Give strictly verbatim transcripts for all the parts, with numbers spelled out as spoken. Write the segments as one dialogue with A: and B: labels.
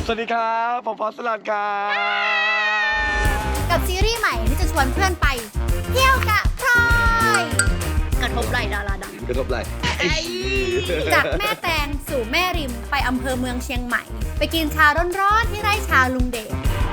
A: สวัสดีครับผมฟอสสลัดครับ
B: กับซีรีส์ใหม่ที่จะชวนเพื่อนไปเที่ยวกับพลอยกระทบไหล่ดาราดัง
A: กระทบไหล่
B: จากแม่แตงสู่แม่ริมไปอำเภอเมืองเชียงใหม่ไปกินชาร้อนๆที่ไร่ชาลุงเดช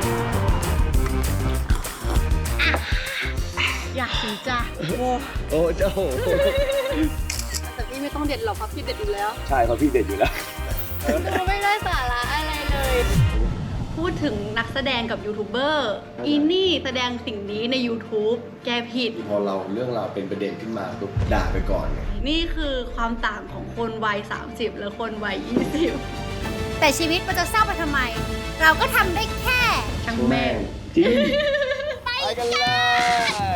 B: อยากถึงจ้ะโอ้
A: โอ้เจ้า
B: แต่พี่ไม่ต้องเด็ดหรอกครับพี่เด็ดอยู่แล้ว
A: ใช่ครับพี่เด็ดอยู่แล้ว
B: ไม่ได้สาระอะไรเลยพูดถึงนักแสดงกับยูทูบเบอร์อีนี่แสดงสิ่งนี้ใน YouTube แกผิด
A: พอเราเรื่องเราเป็นประเด็นขึ้นมาปุ๊บด่าไปก่อนไง
B: นี่คือความต่างของคนวัยสามสิบและคนวัยยี่สิบแต่ชีวิตมันจะเศร้าไปทำไมเราก็ทำได้แค่ทั้งแม่
A: จริงไปกันเลย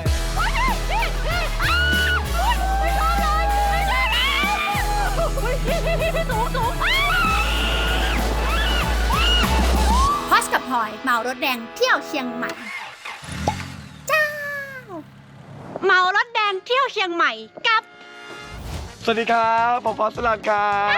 B: พอสกับพลอยเมารถแดงเที่ยวเชียงใหม่เจ้าเมารถแดงเที่ยวเชียงใหม่กับ
A: สวัสดีครับผมฟอสสลัด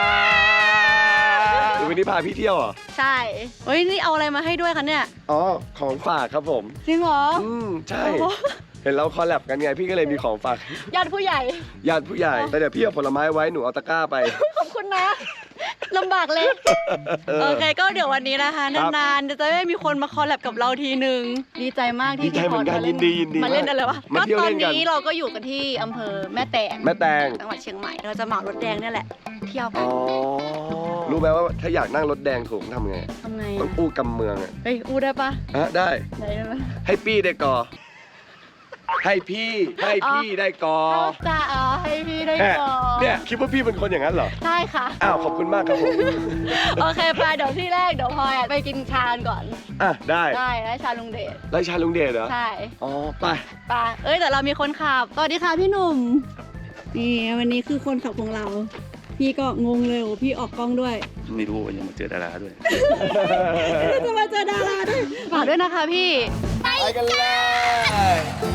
A: ครับวันนี้พาพี่เที่ยวเหรอ
B: ใช่เฮ้ยนี่เอาอะไรมาให้ด้วยคะเนี่ย
A: อ๋อของฝากครับผม
B: จริงเหรอ
A: อืมใช่เห็นเราคอลแลบกันไงพี่ก็เลยมีของฝาก
B: ญาติผู้ใหญ่
A: ญาติผู้ใหญ่แต่เดี๋ยวพี่เอาผลไม้ไว้หนูเอาตะกร้าไป
B: ขอบคุณนะลำบากเลยโอเคก็เดี๋ยววันนี้นะคะนานๆจะได้มีคนมาคอลแลบกับเราทีหนึ่งดีใจมากที่
A: พี่พอมาเล่น
B: มาเล่นอะไรวะก็ตอนนี้เราก็อยู่กันที่อำเภอแม่แตง
A: แม่แตง
B: จังหวัดเชียงใหม่เราจะเหมารถแดงนี่แหละเที่ยวกัน
A: รู้ไหมว่าถ้าอยากนั่งรถแดงถูกทำไง
B: ทำไง
A: ต้องอู้กำเมืองอ่ะ
B: เฮ้ยอู้ได้ปะ
A: อ่ะได้
B: ได้ไหม
A: ให้ปี้ได้ก่อให้พี่ให้พี่ได้กอ
B: จ้าอ๋อให้พี่ได้กอ
A: เนี่ยคิดว่าพี่เป็นคนอย่างนั้นเหรอ
B: ใช่ค่ะ
A: อ้าวขอบคุณมากครับผม
B: โอเคไปเดี๋ยวที่แรกเดี๋ยวพลอยไปกินชาก่อน
A: อ่ะได้
B: ได้ไร่ชาลุงเดช
A: ไร่ชาลุงเดชเหรอ
B: ใช่
A: อ๋อไป
B: ไปเอ้ยแต่เรามีคนขับสวัสดีค่ะพี่หนุ่มนี่วันนี้คือคนขับของเราพี่ก็งงเลยโอ้พี่ออกกล้องด้วย
C: ไม่รู้ว่ายังมาเจอดาราด้วย
B: จะมาเจอดาราด้วยฝากด้วยนะคะพี่
A: ไปกันเลย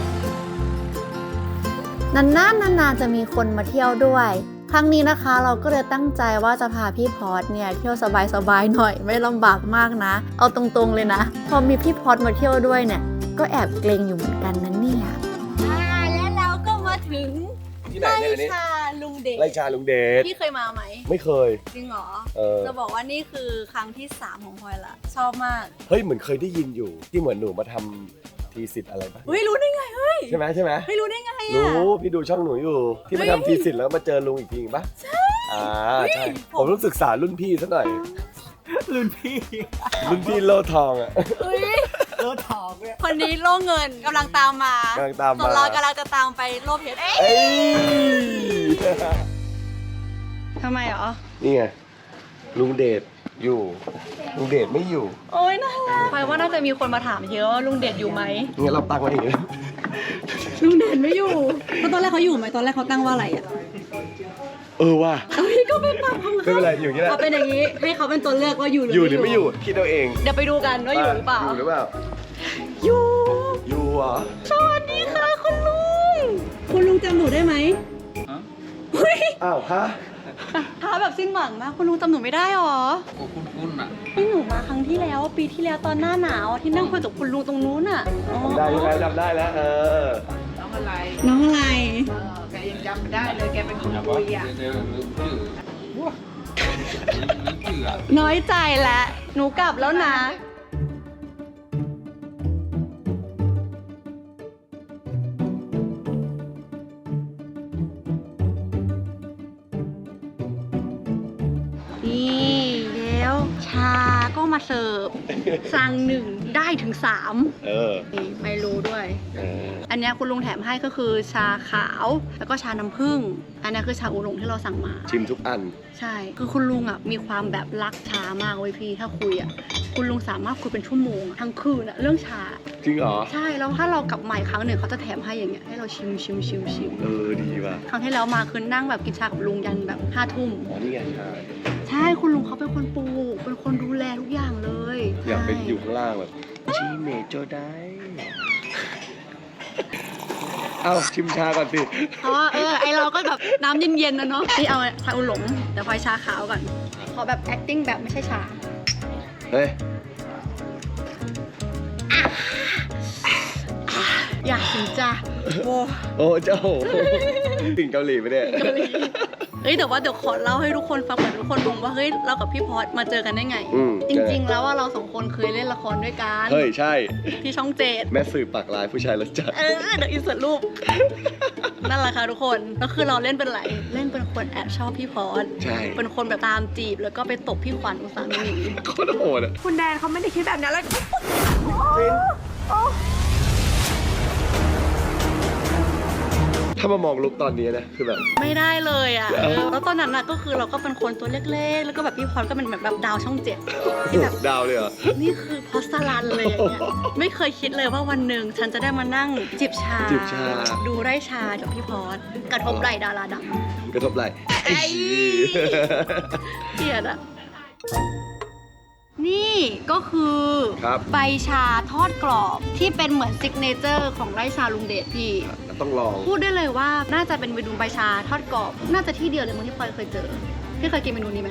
B: นานๆนานๆจะมีคนมาเที่ยวด้วยครั้งนี้นะคะเราก็เลยตั้งใจว่าจะพาพี่พอดเนี่ยเที่ยวสบายๆหน่อยไม่ลำบากมากนะเอาตรงๆเลยนะพอมีพี่พอดมาเที่ยวด้วยเนี่ยก็แอบเกรงอยู่เหมือนกันนะเนี่ยแล้วเราก็มาถึงไร่ชาลุงเดช
A: ไร่ชาลุงเดช
B: พี่เคยมาไหม
A: ไม่เคย
B: จริงเหรอจะบอกว่านี่คือครั้งที่สามของพลอยละชอบมาก
A: เฮ้ยเหมือนเคยได้ยินอยู่ที่เหมือนหนูมาทำทีสิทธิ์อะไรบ้าง
B: เฮ้ยรู้ได้ไงเฮ้ย
A: ใช่ไหมใช่ไหม
B: ไม่รู้ได้ไงอ่ะ
A: รู้พี่ดูช่องหนูอยู่ที่มาทำทีสิทธิ์แล้วมาเจอลุงอีกทีป่ะ
B: ใช่
A: อ่าใช่ผมต้องศึกษารุ่นพี่ซะหน่อย
C: รุ่นพี่
A: รุ่นพี่โลทองอ่ะ
C: โลทองเนี่ย
B: คนนี้โลเงินกำลังตามมาก
A: ำลังตามมา
B: เรากำลังจะตามไปโลเพชรทำไมเหรอ
A: นี่ไงลุงเดชอยู่ลุงเดชไม่อยู่
B: โอ๊ยน่ารักพลอยว่าน่าจะมีคนมาถามเยอะว่าลุงเดชอยู่ไหม
A: งั้นเราตั้งไว้อย่างนี้
B: ลุงเดชไม่อยู่เพราะตอนแรกเขาอยู่ไหมตอนแรกเขาตั้งว่าอะไรอ่ะ
A: เออว่ะ
B: เอ้ยก็เป็นแบบเขา
A: ไม่เป็นไรอยู่อย่างนี้แหละ
B: เอาเป็นอย่างนี้ให้เขาเป็นตัวเลือกว่าอยู่หรือ
A: อยู่หรือไม่อยู่คิดเอาเอง
B: เดี๋ยวไปดูกันว่าอยู่หรือเปล่า
A: อยู่หรือเปล่า
B: อยู่
A: อยู่อ่ะ
B: สวัสดีค่ะคุณลุงคุณลุงจำหนูได้ไหม
A: อ้าวฮะ
B: ท้าแบบสิ้นหวังมากคุณลุงจำหนูไม่ได้หรอ
C: โอ้คุ้นๆอ่ะ
B: พี่หนูมาครั้งที่แล้วปีที่แล้วตอนหน้าหนาวที่นั่งคุยกับคุณลุงตรงนู้นอ่ะ
A: ได้ยังไงจำได้แล้วเออ
D: น้องอะไร
B: น้องอะไร
D: เออแกยังจำไม่ได้เลยแกเป็นคนคุยอ่ะ
B: น้อยใจแล้วหนูกลับแล้วนะชาก็มาเสิร์ฟสั่งหนึ่งได้ถึงสาม
A: เออ
B: ไม่รู้ด้วยอันนี้คุณลุงแถมให้ก็คือชาขาวแล้วก็ชาน้ำผึ้งอันนี้คือชาอูหลงที่เราสั่งมา
A: ชิมทุกอัน
B: ใช่คือคุณลุงอ่ะมีความแบบรักชามากเว้ยพี่ถ้าคุยอ่ะคุณลุงสามารถคุยเป็นชั่วโมงทั้งคืนอ่ะเรื่องชา
A: จริงเหรอ
B: ใช่แล้วถ้าเรากลับมาอีกครั้งหนึ่งเขาจะแถมให้อย่างเงี้ยให้เราชิมชิมชิมชิม
A: เออดีว่ะ
B: ครั้งที่แล้วมาคือนั่งแบบกินชากับลุงยันแบบห้าทุ่ม
A: อ๋อนี่ไงชา
B: ใช่คุณลุงเขาเป็นคนปลูกเป็นคนดูแลทุกอย่างเลย
A: อยากไปอยู่ข้างล่างแบบชิเมโจได้เอ้าชิมชาก่อนสิ
B: เพราะว่าเออไอเราก็แบบน้ำเย็นๆนะเนาะนี่เอาชาอูหลงแต่พลอยชาขาวก่อนขอแบบ acting แบบไม่ใช่ชา
A: เเฮ้ย
B: อยากถึงจ้ะโว้
A: โอ้เจ้าถึงเกาหลีไปเนี่ย
B: เฮ้ยแต่ว่าเดี๋ยวขอเล่าให้ทุกคนฟังเหมือนทุกคนงงว่าเฮ้ยเรากับพี่พอดมาเจอกันได้ไง
A: อืม
B: จริงๆแล้วว่าเราสองคนเคยเล่นละครด้วยกัน
A: เฮ้ยใช่
B: ที่ช่องเจ็ด
A: แม่สื่อปากลายผู้ชายรสจัด
B: เออเดี๋ยวอินเสิร์ตรูป นั่นแหละค่ะทุกคนก็คือเราเล่นเป็นไรเล่นเป็นคนแอบชอบพี่พอด
A: ใช่
B: เป็นคนแบบตามจีบแล้วก็ไปตบพี่ขวัญอุสามี
A: โคตรโหดอ่ะ
D: คุณแดนเขาไม่ได้คิดแบบนั้นแล้ว
A: ถ้ามามองลุกตอนนี้นะคือแบบ
B: ไม่ได้เลยอ่ะเออแล้วตอนนั้นน่ะก็คือเราก็เป็นคนตัวเล็กๆ แล้วก็แบบพี่พอดก็เป็นแบบแบบดาวช่องเจ็ดที่แบบ
A: ดาวเลยเหรอ
B: นี่คือพอสลันเลยอย่างเงี้ยไม่เคยคิดเลยว่าวันหนึ่งฉันจะได้มานั่งจิบชา
A: จิบชา
B: ดูไร่ชากับพี่พอดกระทบไหล่ดาราดัง
A: กระทบไหล่
B: ไอ้ เกลียดอะนี่ก็คือ
A: ครับ
B: ใบชาทอดกรอบที่เป็นเหมือนซิกเนเจอร์ของไร่ชาลุงเดชพี่
A: ต้องลอง
B: พูดได้เลยว่าน่าจะเป็นเมนูใบชาทอดกรอบ น่าจะที่เดียวเลยมั้งที่พลอยเคยเจอ พี่เคยกินเมนูนี้ไหม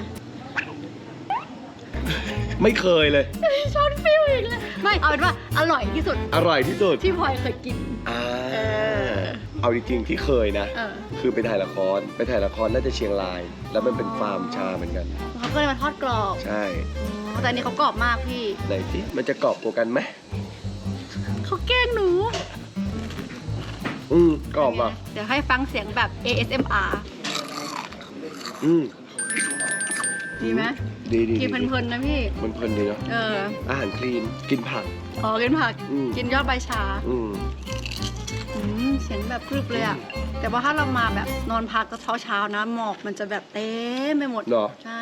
A: ไม่เคยเลย
B: ชอนฟิลอีกเลยไม่เอาเป็นว่าอร่อยที่สุด
A: อร่อยที่สุด
B: ที่พลอยเคยกิน
A: อ่า
B: เออ
A: เอาจริงๆที่เคยนะ
B: เออ
A: คือไปถ่ายละคร ไปถ่ายละครน่าจะเชียงราย แล้วมันเป็นฟาร์มชาเหมือนกัน
B: เขาก็เลยมาทอดกรอบ
A: ใช่
B: อ๋อแต่อันนี้เขากรอบมากพี่
A: ไหนที่มันจะกรอบกว่ากันไหม
B: เขาแกล้งหนู
A: อืมกรอบอ่ะ
B: เดี๋ยวให้ฟังเสียงแบบ เอ เอส เอ็ม อาร์
A: อืม
B: ดีไหม
A: ดีดี
B: กินเพลินๆนะพี่
A: มันเพลินดีเนาะ
B: เออ
A: อาหารคลีน กินผัก
B: อ๋อกินผัก
A: อืม
B: กินยอดใบชา
A: อืม
B: อืมเสียงแบบกรึบเลยอะแต่ว่าถ้าเรามาแบบนอนพักก็เช้าๆนะหมอกมันจะแบบเต็มไปหมด
A: เหรอ
B: ใช่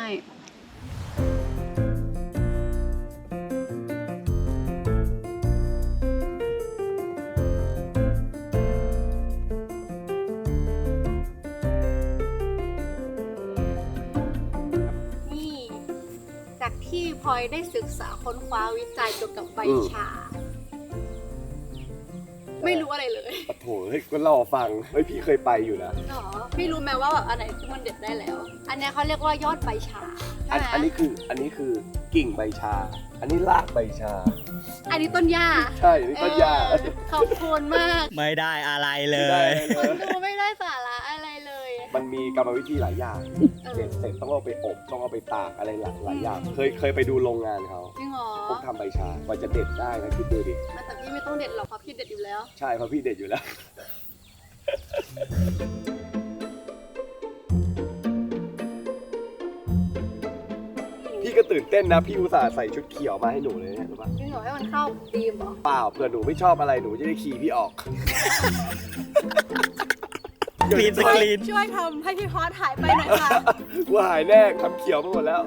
B: นี่จากที่พลอยได้ศึกษาค้นคว้าวิจัยเกี่ยวกับใบชา ไม่รู้อะไรเลย
A: โอ้โหเฮ้ยก็รอฟัง เฮ้ยพี่เคยไปอยู่นะ
B: หรอพี่รู้ไหมว่าแบบอันไหนที่มันเด็ดได้แล้ว อันเนี้ยเขาเรียกว่ายอดใบชา
A: อัน
B: ใช่ไหม
A: อันนี้คือ อันนี้คือกิ่งใบชา อันนี้รากใบชา
B: อันนี้ต้นหญ้า
A: ใช่อันนี้ต้นหญ้า
B: เออขอบคุณมาก
C: ไม่ได้อะไรเล
A: ได้
C: ย
B: คนดูไม่ได้สาระอะไรเลย
A: มันมีกรรมวิธีหลายอย่าง
B: เออ
A: เสร็จเสร็จต้องเอาไปอบ ต้องเอาไปตากอะไรหลายหลายอย่าง เคยเคยไปดูโรงงานเขา
B: จริงเหรอ
A: พวกทำใบชากว่าจะเด็ดได้นะคิดดูดิ
B: แต่พี่ไม่ต้องเด็ดหรอกเพราะพี่เด็ดอยู่แล้ว
A: ใช่เพราะพี่เด็ดอยู่แล้ว พี่ก็ตื่นเต้นนะ พี่อุตส่าห์ใส่ชุดเขียวมาให้หนูเลยเนี่ยรู้ปะ
B: จริงเหรอให้มันเข้าธีมเหรอ
A: เปล่าเผื่อหนูไม่ชอบอะไรหนูจะได้ขี่พี่ออก
C: กรีนสกรีน
B: ช่วยทำให้พี่พอสหายไปหน่อยค่ะ
A: กูหายแน่ทำเขียวไปหมดแล้ว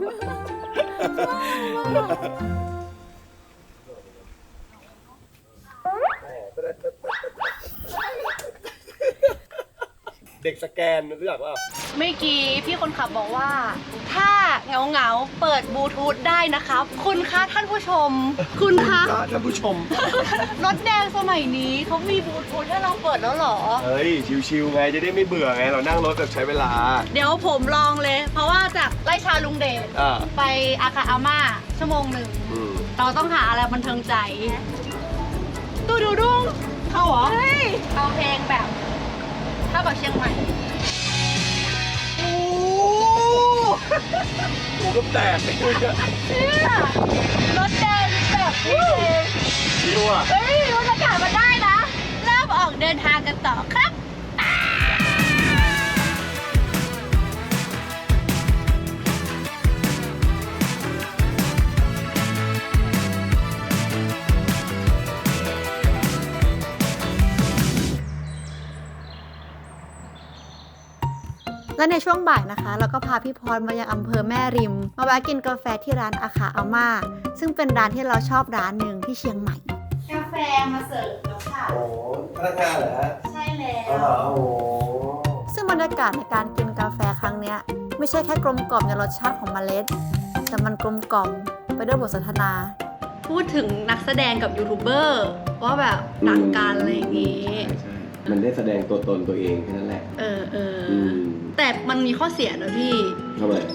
A: เด็กสแกนรู้จักว่า
B: เมื่อกี้พี่คนขับบอกว่า ถ้าเหงาเหงาๆเปิดบลูทูธได้นะครับ คุณคะท่านผู้ชม คุณคะ
A: ท่านผู้ชม
B: รถแดงสมัยนี้เขามีบลูทูธให้เราเปิดแล้วเหรอ
A: เฮ้ย ชิวๆไงจะได้ไม่เบื่อไง เรานั่งรถแบบใช้เวลา
B: เดี๋ยวผมลองเลย เพราะว่าจากไร่ชาลุงเดช
A: อ่า
B: ไปอาคาอาม่าชั่วโมงหนึ่ง
A: อืม
B: เราต้องหาอะไรบันเทิงใจดูดูดุ้งเข้าเหรอเฮ้ยเอาเพลงแบบเท่ากับเชียงใหม่โอ้
A: กูก็แตกเลย
B: เนี่ยรถแดงแบบนี้เอง
A: ชิวอ่ะ
B: เฮ้ยบรรยากาศมันได้นะเริ่มออกเดินทางกันต่อครับ และในช่วงบ่ายนะคะเราก็พาพี่พรมายังอำเภอแม่ริม มาแวะกินกาแฟที่ร้านอาคาอาม่าซึ่งเป็นร้านที่เราชอบร้านหนึ่งที่เชียงใหม่ กาแฟมาเสิร์ฟแล้วค่ะ
A: โอ้พนักงานเหรอฮะ
B: ใช่แล้ว
A: อ๋อโอ้
B: ซึ่งบรรยากาศในการกินกาแฟครั้งเนี้ยไม่ใช่แค่กลมกล่อมในรสชาติของเมล็ด แต่มันกลมกล่อมไปด้วยบทสนทนา พูดถึงนักแสดงกับยูทูบเบอร์ว่าแบบต่างกันอะไรอย่างงี้
A: ใช่มันได้แสดงตัวตนตัวเองแค่นั้นแหละ
B: เออเออ
A: อืม
B: แต่มันมีข้อเสียนะพี่
A: ทำไม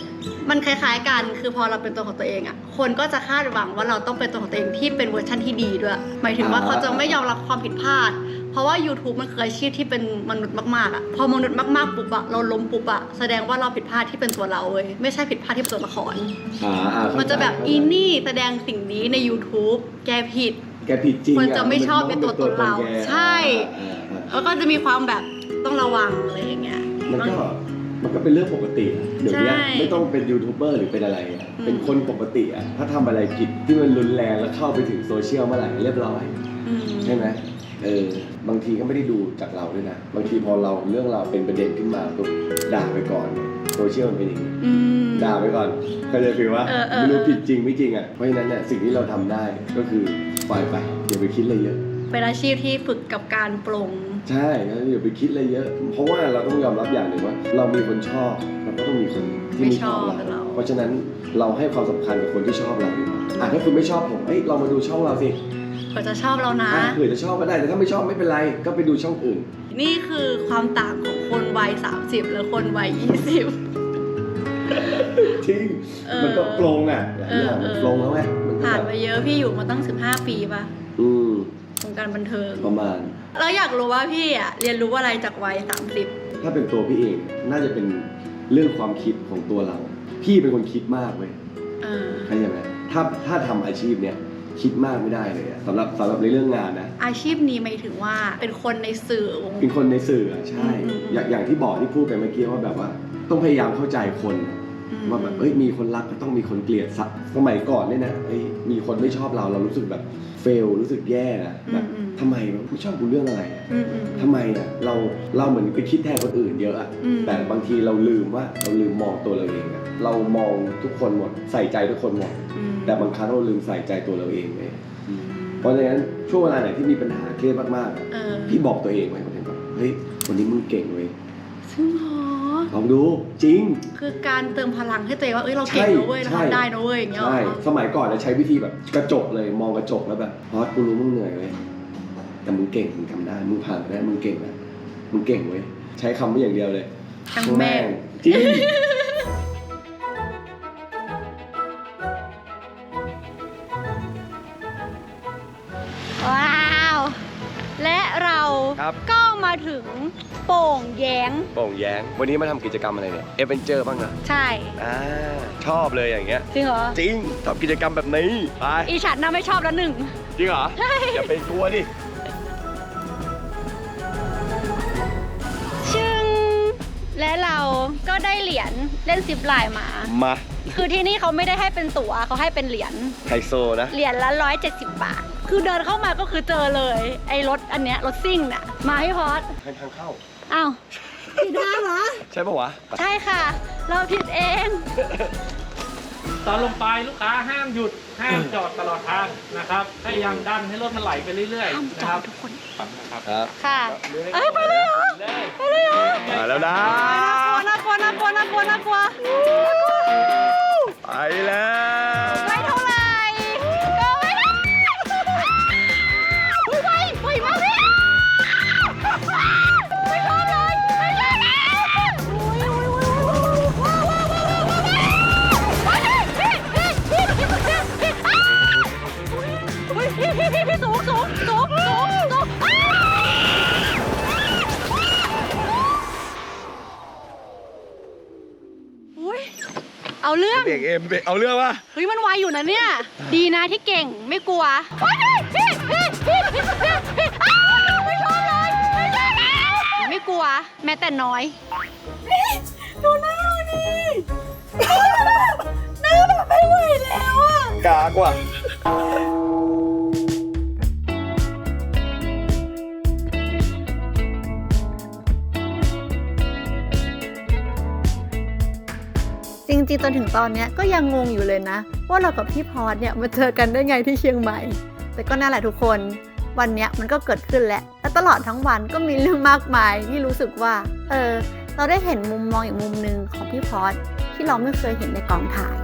B: มันคล้ายๆกันคือพอเราเป็นตัวของตัวเองอะคนก็จะคาดหวังว่าเราต้องเป็นตัวของตัวเองที่เป็นเวอร์ชันที่ดีด้วยหมายถึงว่าเขาจะไม่ยอมรับความผิดพลาดเพราะว่า YouTube มันคืออาชีพที่เป็นมนุษย์มากๆอะพอมนุษย์มากๆปุ๊บอะเราล้มปุ๊บอะแสดงว่าเราผิดพลาดที่เป็นตัวเราเว้ยไม่ใช่ผิดพลาดที่เป็นตัวละคร
A: อ่าอ่าเข้าใจ
B: มันจะแบบอีนี่แสดงสิ่งนี้ใน YouTube แกผิด
A: แกผิดจริง
B: คนจะไม่ชอบ
A: มั
B: เป็น
A: ต้
B: ตั
A: ง
B: วตนเรา
A: แก
B: ใช่
A: อ่าอ่า
B: แล้วก็จะมีความแบบต้องระวังอะไรอย่างเงี้ย
A: มันก็มันก็เป็นเรื่องปกติอะเดี๋ยวนี้
B: ใช่
A: ไม่ต้องเป็นยูทูบเบอร์หรือเป็นอะไรอะ
B: อืม
A: เป็นคนปกติอะถ้าทำอะไรผิดที่มันรุนแรงแล้วเข้าไปถึงโซเชียลเมื่อไหร่เรียบร้อย
B: อืม
A: ใช่ไหมเออบางทีก็ไม่ได้ดูจากเราด้วยนะบางทีพอเราเรื่องเราเป็นประเด็นขึ้นมาปุ๊บด่าไปก่อนโซเชียลมันเป็นอย่างนี้
B: อืม
A: ด่าไปก่อนก็จะฟีลว่า
B: เออเออ
A: ไม่รู้ผิดจริงไม่จริงอ่ะเพราะฉะนั้นเนี่ยสิ่งที่เราทำได้ก็คือปล่อยไปอย่าไปคิดอะไรเยอะ
B: เป็นอาชีพที่ฝึกกับการปลง
A: ใช่แล้วอย่าไปคิดอะไรเยอะ เพราะว่าเราต้องยอมรับอย่างหนึ่งว่า เรามีคนชอบเราก็ต้องมีคนที่ไม่ชอบ
B: ไม่ชอบเรา
A: เรา เพราะฉะนั้นเราให้ความสำคัญกับคนที่ชอบเราดีกว่าอ่ะถ้าคุณไม่ชอบผมเอ้ยเรามาดูช่องเราสิ
B: เผื่อจะชอบเรานะ
A: อ่ะเผื่อจะชอบก็ได้แต่ถ้าไม่ชอบไม่เป็นไรก็ไปดูช่องอื่น
B: นี่คือความต่างของคนวัยสามสิบและคนวัยยี่สิบ
A: จริง
B: เออ
A: มันก็ปลงอ่ะหลายอย่าง
B: เออเออ
A: ปลงแล้วไงมันก็
B: ผ่าน
A: แบบ
B: มาเยอะพี่อยู่มาตั้งสิบห้าปีป่ะ
A: อืม
B: วงการบันเทิง
A: ประมาณ
B: แล้วอยากรู้ว่าพี่อะเรียนรู้อะไรจากวัยสามสิบ
A: ถ้าเป็นตัวพี่เองน่าจะเป็นเรื่องความคิดของตัวเรา พี่เป็นคนคิดมากเว้ย
B: เออ
A: เข้าใจไหมถ้าถ้าทำอาชีพเนี้ยคิดมากไม่ได้เลยอะสำหรับสำหรับในเรื่องงานนะ
B: อาชีพนี้หมายถึงว่าเป็นคนในสื่อวง
A: เป็นคนในสื่ออะใช่
B: อืมอืม
A: อย่างอย่างที่บอกที่พูดไปเมื่อกี้ว่าแบบว่า ต้องพยายามเข้าใจคน
B: อืม
A: ว่าแบบเอ้ยมีคนรักก็ต้องมีคนเกลียดสักสมัยก่อนเนี่ยนะเอ้ยมีคนไม่ชอบเราเรารู้สึกแบบเฟลรู้สึกแย่นะแบบทำไมวะไม่ชอบกูเรื่องอะไรอะ
B: อืมอืม
A: ทำไมอ่ะเราเราเหมือนไปคิดแทนคนอื่นเยอะอ่ะ
B: อืม
A: แต่บางทีเราลืมว่าเราลืมมองตัวเราเองอ่ะเรามองทุกคนหมดใส่ใจทุกคนหมด
B: อืม
A: แต่บางครั้งเราลืมใส่ใจตัวเราเองเลย
B: อืม
A: เพราะฉะนั้นช่วงเวลาไหนที่มีปัญหาเครียดมากๆอะ
B: เออ
A: พี่บอกตัวเองไว้คนเดียวเฮ้ยวันนี้มึงเก่งเว้ย
B: ซึ่งหรอ
A: ลองดูจริง
B: คือการเติมพลังให้ตัวเองว่าเอ้ยเราเก่งนะเว้ยเรา
A: ใช่
B: ทำได้นะเว้ยอย่างเงี้ยเหร
A: ใช่
B: อ
A: สมัยก่อนจะใช้วิธีแบบกระจกเลยมองกระจกแล้วแบบพอดกูรู้มึงเหนื่อยเว้ยแต่มึงเก่งมึงทำได้มึงผ่านไปได้มึงเก่งนะมึงเก่งเว้ยใช้คำไม่อย่างเดียวเลย
B: ทั้งแม่ง
A: จริง
B: ว้าว และเรา
A: ครับ
B: ก็มาถึงโป่งแยง
A: โป่งแย้งวันนี้มาทำกิจกรรมอะไรเนี่ยเอเวนเจอร์บ้างนะ
B: ใช่
A: อ่าชอบเลยอย่างเงี้ย
B: จริงเหรอ
A: จริงชอบกิจกรรมแบบนี้ไป
B: อีฉันน่ะไม่ชอบแล้วหนึ่ง
A: จริงเหรออย่าไปกลัวดิ
B: ชึงและเราก็ได้เหรียญเล่นซิปไลน์มา
A: มา
B: คือที่นี่เขาไม่ได้ให้เป็นตั๋วเขาให้เป็นเหรียญ
A: ไฮโซนะ
B: เหรียญละร้อยเจ็ดสิบบาท คือเดินเข้ามาก็คือเจอเลย ไอ้รถอันเนี้ยรถซิ่งน่ะ มาให้พอด
A: ให้ทางเข้า
B: อ้าวผิดทางเหรอ
A: ใช่ปะวะ
B: ใช่ค่ะ เราผิดเอง
C: ตอนลงไปลูกค้าห้ามหยุดห้ามจอดตลอดทางนะครับพยายามดันให้รถมันไหลไปเรื่อย
B: ห้าม
C: ๆ
B: จ
C: นะ
B: อ
C: ครั
B: ด
C: บ
B: ทุกคน
C: นะครับ
A: ครับ
B: ค่ะ เอ้ยไปเลยเหรอ
C: เลย
B: ไปเลยเหรอ
A: มาแล้วนะ
B: น่ากลัวน่ากลัวน่ากลัวน่ากลัว
A: ไปแล้ว
B: ไม่เท่าไหร่ก็ไม่ได้อุ้ยไปไปมากเลยไม่ชอบเลยไม่ชอบเลยอุ้ยอุ้ยอุ้ยว้าวว้าวว้าวว้าวพี่พี่พี่พี่พี่พี่อ้าวอุ้ยพี่พี่พี่พี่สูงสูงสูงสูงสูงอ้าวอุ้ยเอาเรื่อง
A: เบรกเอ็มเบรกเอาเรื่องวะ
B: เฮ้ยมันไวอยู่นะเนี่ย ดีนะที่เก่งไม่กลัวพี่พี่พี่พี่พี่พี่อ้าวไม่ชอบเลยไม่ชอบแล้วไม่กลัวแม้แต่น้อยนี่ดูหน้าดิหน้าแบบไม่ไหวแล้วอ่ะ
A: กากว่ะ
B: จริงๆจนถึงตอนเนี้ยก็ยังงงอยู่เลยนะ ว่าเรากับพี่พอดเนี่ยมาเจอกันได้ไงที่เชียงใหม่ แต่ก็นั่นแหละทุกคนวันเนี้ยมันก็เกิดขึ้นแล้วและตลอดทั้งวันก็มีเรื่องมากมายที่รู้สึกว่า เออ เราได้เห็นมุมมองอีกมุมหนึ่งของพี่พอดที่เราไม่เคยเห็นในกองถ่าย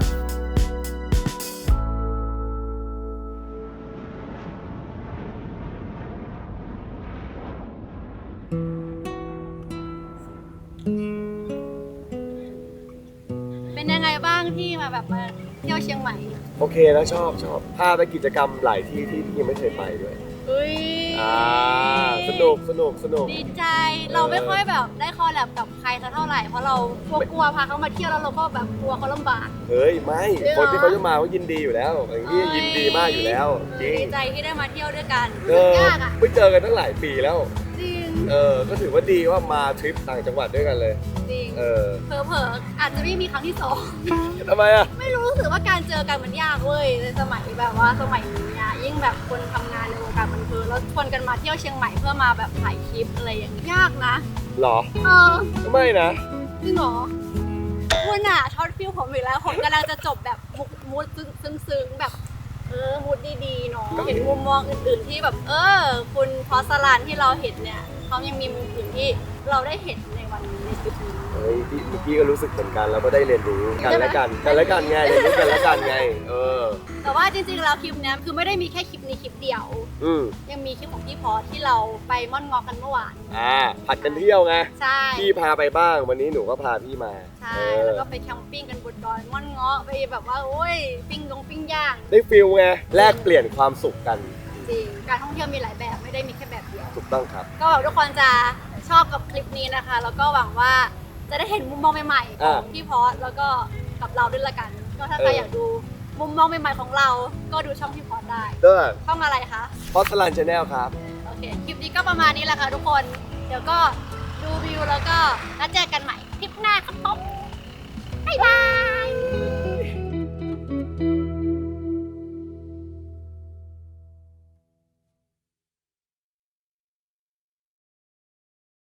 B: เป็นยังไงบ้างที่มาเที่ยวเชียงใหม่
A: โอเคแล้วชอบชอบพาไปกิจกรรมหลายที่ที่ที่ยังไม่เคยไปด้วย
B: อุ้ย
A: อ่าสนุกสนุกสนุก
B: ดีใจเราไม่ค่อยแบบได้คอลแลบกับใครสักเท่าไหร่เพราะเรากลัวกลัวพาเขามาเที่ยวแล้วเราก็แบบกลัวเขาลำบาก
A: เฮ้ยไม่
B: จริงเหรอ
A: คนที่เขาจะมาเขายินดีอยู่แล้วอย่างนี้ยินดีมากอยู่แล้วจริง
B: ดีใจที่ได้มาเที่ยวด้วยกัน
A: เออย
B: ากอ่ะ
A: ไม่เจอกันตั้งหลายปีแล้ว
B: จริง
A: เออก็ถือว่าดีว่ามาทริปต่างจังหวัดด้วยกันเลย
B: จริง
A: เออ
B: เผลอๆอาจจะไม่มีครั้งที่สอง
A: ทำไมอ่ะ
B: ไม่รู้รู้สึกว่าการเจอกันมันยากเว้ยในสมัยแบบว่าสมัยนี้อะยิ่งแบบคนทำงานในวงการบันเทิงแล้วชวนกันมาเที่ยวเชียงใหม่เพื่อมาแบบถ่ายคลิปอะไรอย่างเงี้ยยากนะ
A: หรอ
B: เออ
A: ไม่นะ
B: จริงเหรอคุณอะช็อตฟิลผมอีกแล้วผมกำลังจะจบแบบมุกมูดซึ้งๆแบบเออมูดดีๆเนาะเห็นมุมมองอื่นๆที่แบบเออคุณพอสลานที่เราเห็นเนี่ยเขายังมีมุมอื่นที่เราได้เห็นในวันนี้ในคลิปนี้
A: เฮ้ยพี่เมื่อกี้ก็รู้สึกเหมือนกันแล้วก็ได้เรียนรู้กันและกันกันและกันไงเรียนรู้กันและกันไง เออ
B: แต่ว่าจริงๆแล้วคลิปเนี้ยคือไม่ได้มีแค่คลิปนี้คลิปเดียว
A: อืม
B: ยังมีคลิปของพี่พอสที่เราไปม่อนงอกันเมื่อวาน
A: อ่าผัดกันเที่ยวไง
B: ใช่
A: พี่พาไปบ้างวันนี้หนูก็พาพี่มา
B: ใช่
A: เออ
B: แล้วก็ไปแคมปิ้งกันบนดอยม่อนเงาะไปแบบว่าโอ้ยปิ้งลงปิ้งย่าง
A: ได้ฟิลไงแลกเปลี่ยนความสุขกัน
B: จริงการท่องเที่ยวมีหลายแบบไม่ได้มีแค่แบบเดียว
A: ถูกต้องครับ
B: ก็หวังทุกคนจะชอบกับคลิปนี้นะคะ แล้วก็หวังว่าจะได้เห็นมุมมองใหม่ๆของพี่พอสแล้วก็กับเราด้วยละกัน ก็ถ้าใครอยากดูมุมมองใหม่ๆของเรา ก็ดูช่องพี่พอสได้
A: เด้อ
B: ช่องอะไรคะ
A: พอสลันชาแนลครับ
B: โอเค คลิปนี้ก็ประมาณนี้แหละค่ะทุกคน เดี๋ยวก็ดูวิวแล้วก็นัดเจอกันใหม่คลิปหน้าครับผมบ๊ายบาย